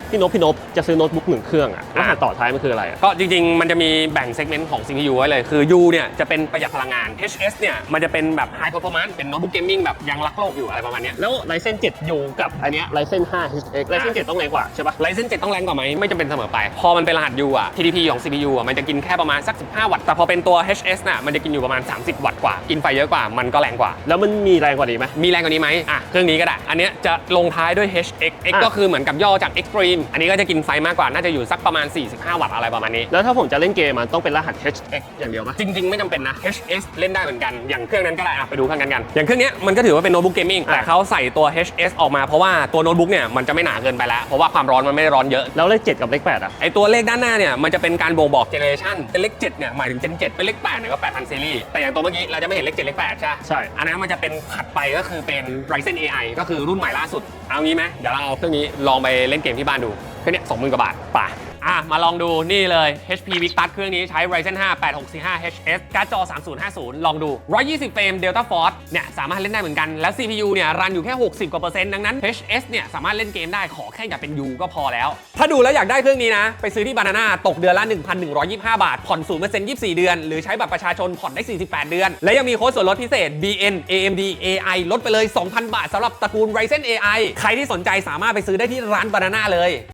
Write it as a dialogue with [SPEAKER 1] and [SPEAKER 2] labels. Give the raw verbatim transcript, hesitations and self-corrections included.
[SPEAKER 1] พี่นพพี่นพจะซื้อโน้ตบุ๊กหนึ่งเครื่องอะรหัสต่อท้ายมันคืออะไรอะ
[SPEAKER 2] ก็จริงๆมันจะมีแบ่งเซกเมนต์ของ ซี พี ยู ไว้เลยคือ U เนี่ยจะเป็นประหยัดพลังงาน เอช เอส เนี่ยมันจะเป็นแบบ High Performance เป็นโน้ตบุ๊กเกมมิ่งแบบยังรักโลกอยู่อะไรประมาณนี้
[SPEAKER 1] แล้ว Ryzen เซเว่น U กับอันเนี้ย Ryzen ไฟว์ เอช เอ็กซ์ Ryzen เซเว่นต้องแรงกว่าใช่ปะ
[SPEAKER 2] Ryzen เซเว่นต้องแรงกว่าไหมไม่จำเป็นเสมอไปพอมันเป็นรหัส U อ่ะ ที ดี พี ของ ซี พี ยู อ่ะมันจะกินแค่ประมาณสักสิบห้าวัตต์แต่พอเป็นตัว เอช เอส น่ะมันจะกินอยู่ประมาณสามสิบวัตต์กว่ากินไฟเยอะกว่ามันก็แรงกว่า
[SPEAKER 1] แล้วมันมีแรงกว่านี้ไหม
[SPEAKER 2] มีแรงกว่านี้ไหมอ่ะเครื่องนี้ก็ได้อันเนี้ยจะลงท้ายด้วย เอช เอ็กซ์ X ก็คือเหมือนกับย่อจาก Extreme อันนี้ก็จะกินไฟมากกว่าน่าจะอยู่สักประมาณสี่สิบห้าวัตต์อะไรประมาณนี้
[SPEAKER 1] แล้วถ้าผมจะเล่นเกมมันต้องเป็นรหัส เอช เอ็กซ์ อย่างเดียวไหม
[SPEAKER 2] จริงๆไม่จำเป็นนะ เอช เอส เล่นได้เหมือนกันอย่างเครื่องนั้นก็ได้อ่ะไปดูเครื่องนั้นกันอย่างเครื่องนี้มันก็ถือว่าเป็นโน้ตบุ๊กเกมมิ่งแต่เขาใส่ตัว เอช เอส ออกมาเพราะว่าตัวโน้ตบุ๊กเนี่ยมันจะไม่หนาเกินไปแล้วเพราะว่าความร้อนมันไม่ได้ร้อนเยอะ
[SPEAKER 1] แล้วเลขเจ็ดกับเลขแปดอะ
[SPEAKER 2] ไอตัวเลขด้านหน้าเนี่ยมันจะเป็นการบ่งบอกเจเนอเรชันเป็นเลขเจ็ดเนี่ยหมายถึงเจนเจ็ดเป็นเลขแปดเนี่ยก็แปดพันซีรีส์แต่อย่างตัวเมื่อกี้เราจะไม่เห็นเลขเจ็ดเลขแปดใช่
[SPEAKER 1] ใช่
[SPEAKER 2] อันนั้นมันจะเป็นถัดไปก็คือเป็น Ryzen เอ ไอ ก็คือรุ่นใหม่ล่าสุดเอางี้ไหมเดี๋ยวเราเอาเครื่องนี้ลองไปเล่นเกมที่บ้านดูเครื่องนี้สองหมื่นกว่าบาทป่ะอ่ะมาลองดูนี่เลย เอช พี Victus เครื่องนี้ใช้ Ryzen ไฟว์ แปดหกสี่ห้า เอช เอส การ์ดจอ สามศูนย์ห้าศูนย์ ลองดูหนึ่งร้อยยี่สิบเฟรม Delta Force เนี่ยสามารถเล่นได้เหมือนกันแล้ว ซี พี ยู เนี่ยรันอยู่แค่หกสิบกว่าเปอร์เซ็นต์ดังนั้น เอช เอส เนี่ยสามารถเล่นเกมได้ขอแค่อย่าเป็น U ก็พอแล้วถ้าดูแล้วอยากได้เครื่องนี้นะไปซื้อที่ Banana ตกเดือนละ หนึ่งพันหนึ่งร้อยยี่สิบห้า บาทผ่อน ศูนย์เปอร์เซ็นต์ ยี่สิบสี่ เดือนหรือใช้บัตรประชาชนผ่อนได้สี่สิบแปดเดือนและยังมีโค้ดส่วนลดพิเศษ บี เอ็น เอ เอ็ม ดี เอ ไอ ลดไปเลย สองพัน บาทสำหรับตระกูล Ryzen เอ ไอ ใครที่สนใจสามารถไปซื้อได้ที่ร้าน Banana เลย